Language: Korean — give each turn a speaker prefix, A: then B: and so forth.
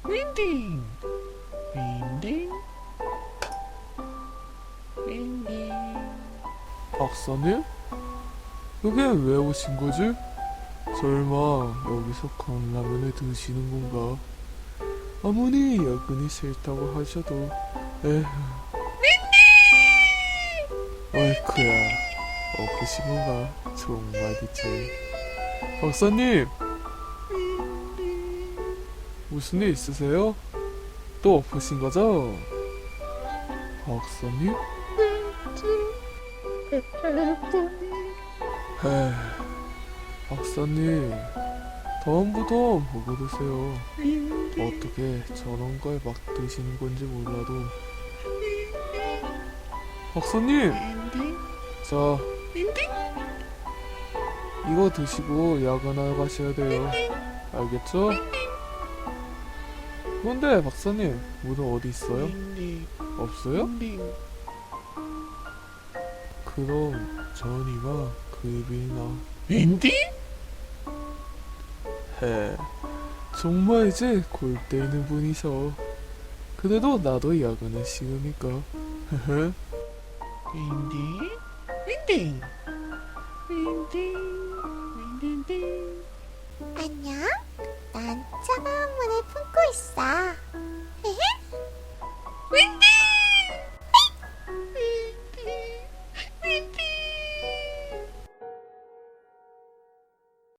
A: 윈딩, 윈딩, 윈딩.
B: 박사님? 여기 왜 오신 거지? 설마 여기서 컵라면을 드시는 건가? 아무리 야근이 싫다고 하셔도 에휴. 어이쿠야, 엎으신 건가? 정말이지. 박사님! 무슨 일 있으세요? 또 엎으신 거죠? 박사님? 에휴, 박사님, 다음부터 보고 드세요. 어떻게 저런 걸 막 드시는 건지 몰라도. 박사님! 자, 이거 드시고 야근하러 가셔야 돼요. 알겠죠? 그런데 박사님, 물은 어디 있어요? 없어요? 그럼 전이와 급이나.
A: 윈딩?
B: 헤, 정말 이제 골 때리는 분이셔. 그래도 나도 야근은 싫으니까. 헤헤.
A: 윈딩? 윈딩, 윈딩, 윈딩딩.
C: 안녕? 난 차가운 물을 품고 있어.